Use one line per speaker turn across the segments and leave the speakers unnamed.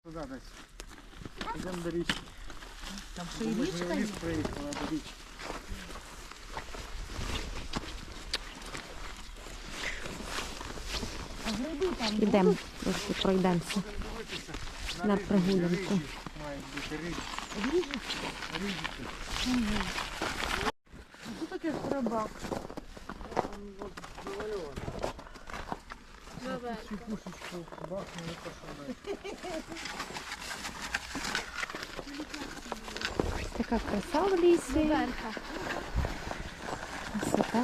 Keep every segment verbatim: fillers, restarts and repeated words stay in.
Туди десь. Йдемо до річки.
Там ще і річка є?
Ліс приїхала до річки.
Йдемо, трошки пройдемося на прогулянку.
Мають бути річки. Річки.
Що таке храбак?
Цю пушечку бахнули, пошли.
Така краса в лісі. Красота.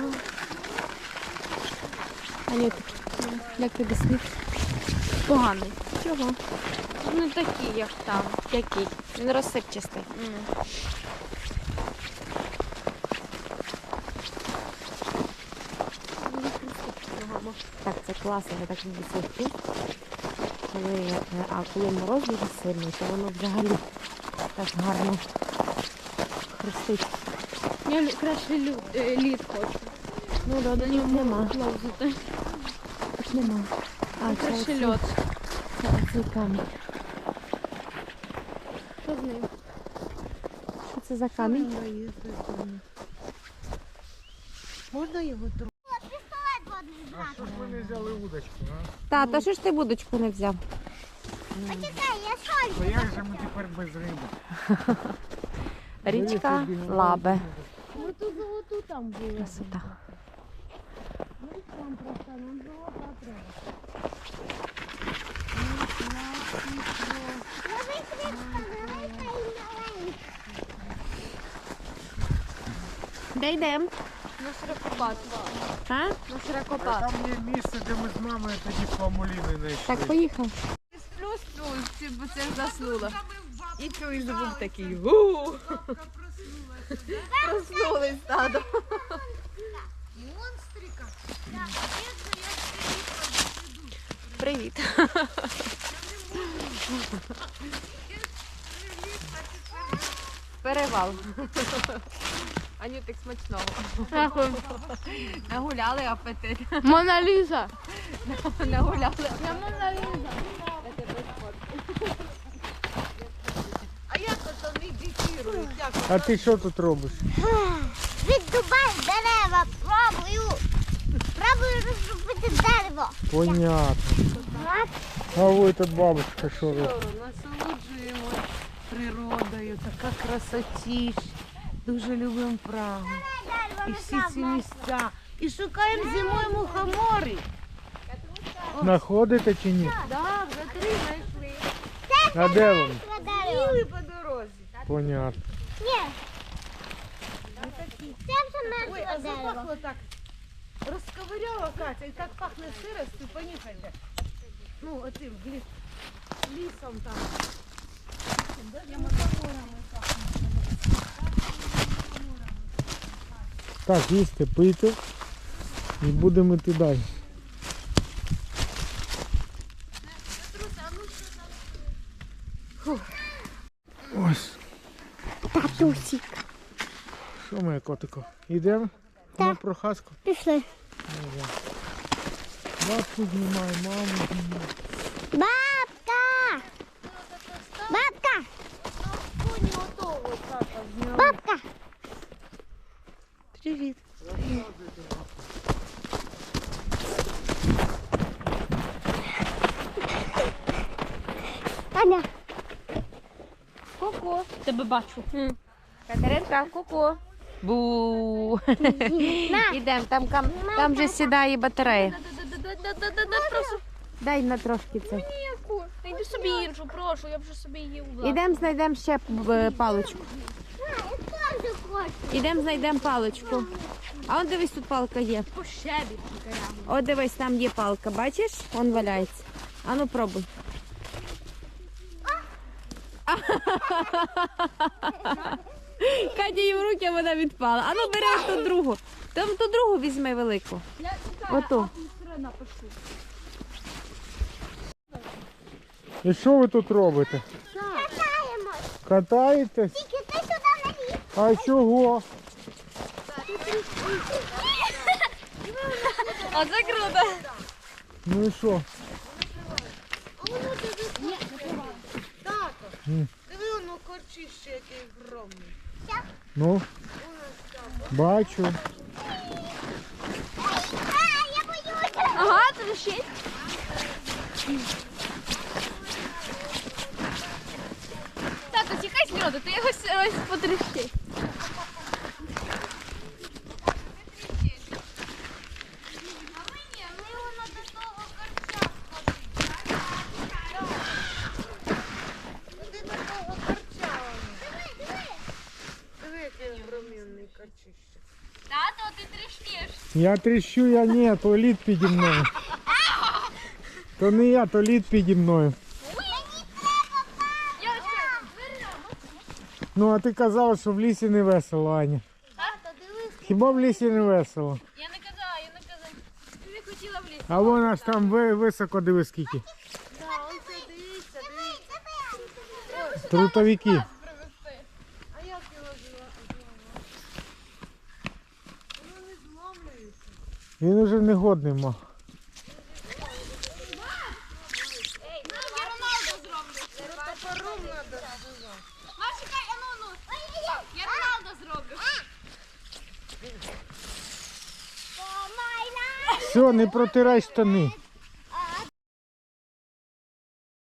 Анюта, як тобі світ?
Поганий.
Чого?
Не такий, як там.
Який? Він розсипчастий. Так, це класно, я так люблю цей фрукт. Коли, е, а коли мороз дуже сильний, то воно взагалі так гарно хрустить.
Я лю- краще лю- е, лід хочу.
Ну, да, до нього нема.
Ловзути.
Аж нема. А, це
Краще
оцей,
льод.
це оцей камінь.
Що з ним?
Що це за камінь?
Можна його трохи?
А що ж ви не взяли удочку, а?
Та, то що ж ти будочку не взяв?
Почекай, я соль.
То як же ми тепер без риби?
Річка Лабе.
Ну ту золоту там було.
Красота.
Там просто нам золота треба.
Велика і маленька.
Де йдемо?
На широкопад.
А?
На
А
широкопад.
там є місце, де ми з мамою тоді фламуліни знайшли.
Так, поїхав.
Плюс-плюс, бо це заснула. І чуєш звук такий. Гу! Проснулись стадо.
Привіт. Перевал.
Анютик, смачного. Нагуляли апетит.
Мона Ліза.
Нагуляли. Я Моналіза.
А як ото медитують? Як?
А ти що тут робиш?
Віддубай дерева, пробую. Пробую розробити дерево.
Понятно. А ви тут бабушка що робить?
Насолоджуємо природою, така красотіш. Дуже любимо Прагу. І всі ці місця. І шукаємо зимою мухомори.
Знаходите чи ні?
Так, вже три знайшли.
А де вони?
Дерево.
Були по дорозі.
Понятно.
Ні. Це вже
Ой,
мертве
а
дерево.
запахло так. Розковиряла Катя, і так пахне сиростю, поніхайте. Ну, отим ліс, лісом там.
Так, їсти, пити і будемо йти далі. Ось.
Татусик.
Що моє котико? Йдемо на прохазку?
Пішли.
Бабку знімай, маму знімай.
Бабка! Бабка! Бабка!
Привіт.
Таня.
Ку-ку. Тебе бачу.
Катеринка, ку-ку. Бу. Ідемо, там, там, там вже сідає батарея.
Прошу.
Дай на трошки це.
Ніяку. Та йди собі іншу, прошу, я вже собі її увласну.
Ідемо, знайдемо ще е, паличку.
Я теж хочу.
Ідемо, знайдемо паличку. А он дивись, тут палка є.
По щебі.
О, дивись, там є палка, бачиш? Вон валяється. А ну пробуй. Катя їй в руки, вона відпала. А ну бери ту другу. Там ту другу візьми велику. Оту.
І що ви тут робите?
Катаємось.
Катаєтесь?
Тільки ти туди не лізь.
А чого?
Оце круто.
Ну і що? М.
Диви, воно корчище, який огромний.
Ну,
Воно ж там.
бачу.
А, я боюся.
Ага, трещить. Тато, тікай з льоду, ти його ось потрещи.
Куди такого корча воно? Диви, який огромний корчище.
Тато, ти трещиш.
Я тріщу, я ні, то лід піді мною. То не я, то лід піді мною. Ну, а ти казала, що в лісі не весело, Аня.
Тато, дивись.
Хіба в лісі не весело?
Я не казала, я не казала. Ти не хотіла в ліс.
А вон аж там ви- високо диви скільки.
Да, он це дивіться, дивіться.
Трутовики.
А як його зламати? Воно не зломлюється.
Він уже не годний мав.
Я Роналду зроблю.
Топором треба зривати.
Маш, чекай, а ну, ну. Я Роналду зроблю.
Все, не протирай штани.